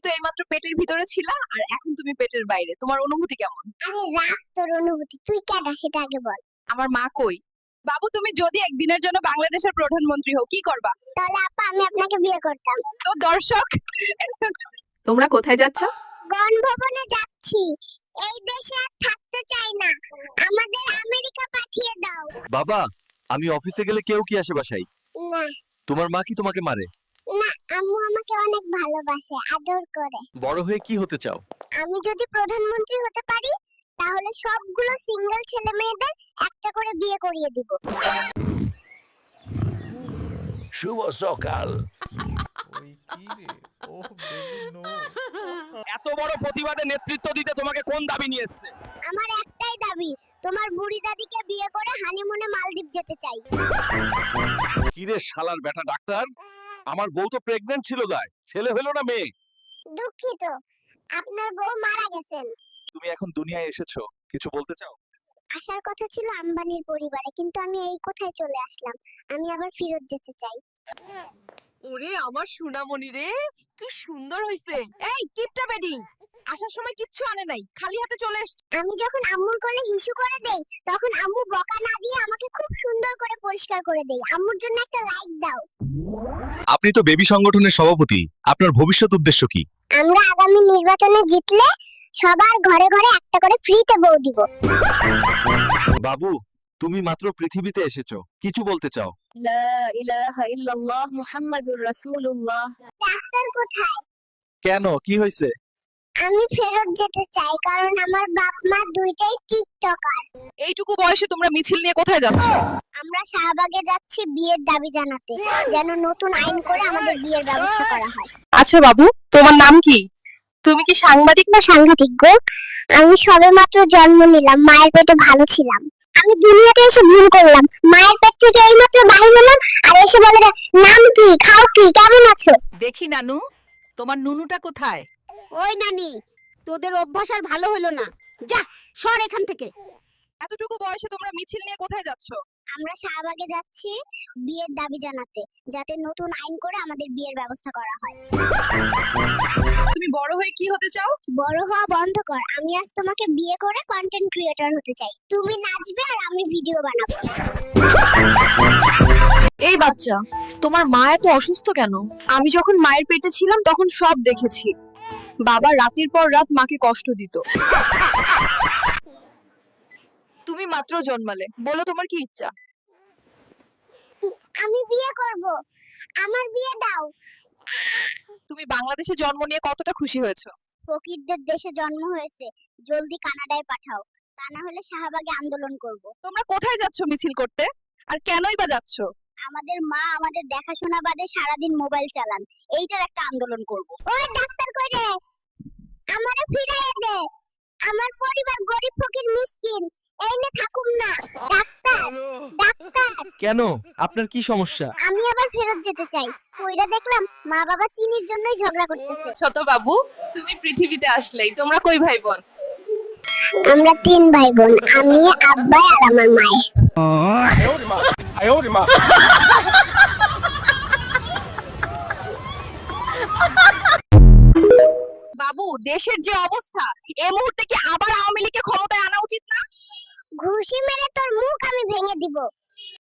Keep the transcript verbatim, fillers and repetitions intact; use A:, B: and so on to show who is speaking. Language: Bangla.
A: তো এইমাত্র পেটের ভিতরে ছিলা আর এখন তুমি পেটের বাইরে, তোমার অনুভূতি কেমন?
B: আরে রাখ তোর অনুভূতি, তুই কেডা সেটা আগে বল।
A: আমার মা কই? বাবু, তুমি যদি একদিনের জন্য বাংলাদেশের প্রধানমন্ত্রী হও কি করবা?
B: তাহলে আপা আমি আপনাকে বিয়ে করতাম।
A: তো দর্শক, তোমরা কোথায় যাচ্ছ?
B: গণভবনে যাচ্ছি। এই দেশে আর থাকতে চাই না, আমাদের আমেরিকা পাঠিয়ে দাও।
C: বাবা, আমি অফিসে গেলে কেউ কি আসে বাসায়?
B: না
C: তোমার মা কি তোমাকে মারে?
B: না, আম্মু আমাকে অনেক ভালোবাসে, আদর করে।
C: বড় হয়ে কি হতে চাও?
B: আমি যদি প্রধানমন্ত্রী হতে পারি তাহলে সবগুলো সিঙ্গেল ছেলে মেয়েদের একটা করে বিয়ে করিয়ে দিব।
C: শুভ সকাল।
D: ওই কি রে? Oh baby no.
C: এত বড় প্রতিবাদে নেতৃত্ব দিতে তোমাকে কোন দাবি নিয়ে এসেছে?
B: আমার একটাই দাবি, তোমার বুড়ি দাদিকে বিয়ে করে হানিমুনে মালদ্বীপ যেতে চাই।
C: কি রে শালার বেটা ডাক্তার, আমার বউ তো প্রেগন্যান্ট ছিল গায়, ছেলে হলো না মেয়ে?
B: দুঃখিত, আপনার বউ মারা গেছেন।
C: তুমি এখন দুনিয়ায় এসেছো, কিছু বলতে চাও?
B: আসার কথা ছিল আম্বানির পরিবারে, কিন্তু আমি এই কোথায় চলে আসলাম। আমি আবার ফেরত যেতে চাই।
A: ওরে আমার সোনামণি রে, কি সুন্দর হইছে। এই কিপটা বেডি, আসার সময় কিচ্ছু আনে নাই, খালি হাতে চলে এসেছে।
B: আমি যখন আম্মুর কোলে হিসু করে দেই তখন আম্মু বকা না দিয়ে আমাকে খুব সুন্দর করে পরিষ্কার করে দেয়। আম্মুর জন্য একটা লাইক দাও।
C: আপনি তো বেবি সংগঠনের সভাপতি, আপনার ভবিষ্যৎ উদ্দেশ্য কি?
B: আমরা আগামী নির্বাচনে জিতলে সবার ঘরে ঘরে একটা করে ফ্রিতে বউ দিব।
C: বাবু, তুমি মাত্র পৃথিবীতে এসেছো, কিছু বলতে চাও?
A: লা ইলাহা ইল্লাল্লাহ মুহাম্মাদুর রাসূলুল্লাহ।
B: ডাক্তার কোথায়?
C: কেন, কি হয়েছে?
B: আমি ফেরত যেতে চাই কারণ আমার বাপ মা দুইটাই টিকটকার।
A: এইটুকু বয়সে তোমরা মিছিল নিয়ে কোথায় যাচ্ছ?
B: আমরা শাহবাগে যাচ্ছি বিয়ের দাবি জানাতে, যেন নতুন আইন করে আমাদের বিয়ের ব্যবস্থা করা হয়।
A: আচ্ছা বাবু, তোমার নাম কি? তুমি কি সাংবাদিক?
B: না সাংঘাতিক গো, আমি সবেমাত্র জন্ম নিলাম, মায়ের পেটে ভালো ছিলাম। আমি দুনিয়াতে এসে ভুল করলাম, মায়ের পেট থেকে এইমাত্র বাহির হলাম আর এসে বলে নাম কি, খাও কি, কেমন আছো?
E: দেখি নানু, তোমার নুনুটা কোথায়?
B: ওই নানি, তোদের অভ্যাস আর ভালো হলো না, যা সর এখান থেকে।
A: এতটুকু বয়সে তোমরা মিছিল নিয়ে কোথায় যাচ্ছ?
B: আমরা শাহবাগে যাচ্ছি বিয়ের দাবি জানাতে, যাতে নতুন আইন করে আমাদের বিয়ের ব্যবস্থা করা হয়।
A: তুমি বড় হয়ে কি হতে চাও?
B: বড় হওয়া বন্ধ কর, আমি আজ তোমাকে বিয়ে করে কন্টেন্ট ক্রিয়েটর হতে চাই। তুমি নাচবে আর আমি ভিডিও বানাবো।
A: এই বাচ্চা, তোমার মা এত অসুস্থ কেন? আমি যখন মায়ের পেটে ছিলাম তখন সব দেখেছি। বাবা রাতের পর রাত মাকে কষ্ট দিত। তুমি মাত্র জন্মালে, বলো তোমার কি ইচ্ছা?
B: আমি বিয়ে করব, আমার বিয়ে দাও।
A: তুমি বাংলাদেশে জন্ম নিয়ে কতটা খুশি হয়েছো?
B: ফকিরদের দেশে জন্ম হয়েছে, জলদি কানাডায় পাঠাও, তা না হলে শাহবাগে আন্দোলন করব।
A: তোমরা কোথায় যাচ্ছ মিছিল করতে, আর কেনই বা যাচ্ছ?
B: আমাদের মা আমাদের দেখাশোনা বাদে সারাদিন মোবাইল চালান, এইটার একটা আন্দোলন করব। ওই ডাক্তার কই রে, আমারে ফিরাইয়ে দে, আমার পরিবার গরিব ফকির মিসকিন, এই নে থাকুম না। ডাক্তার, ডাক্তার,
C: কেন, আপনার কি সমস্যা?
B: আমি আবার ফেরত যেতে চাই। কইরা দেখলাম মা বাবা চিনির জন্যই ঝগড়া করতেছে।
A: ছোট বাবু, তুমি পৃথিবীতে আসলেই, তোমরা কই ভাই বোন?
B: আমরা তিন ভাই বোন, আমি, আব্বা আর আমার মায়ে।
A: বাবু, দেশের যে অবস্থা, এই মুহূর্তে কি আবার আওয়ামী লীগকে ক্ষমতায় আনা উচিত না?
B: ঘুষি মেরে তোর মুখ আমি ভেঙে দিব।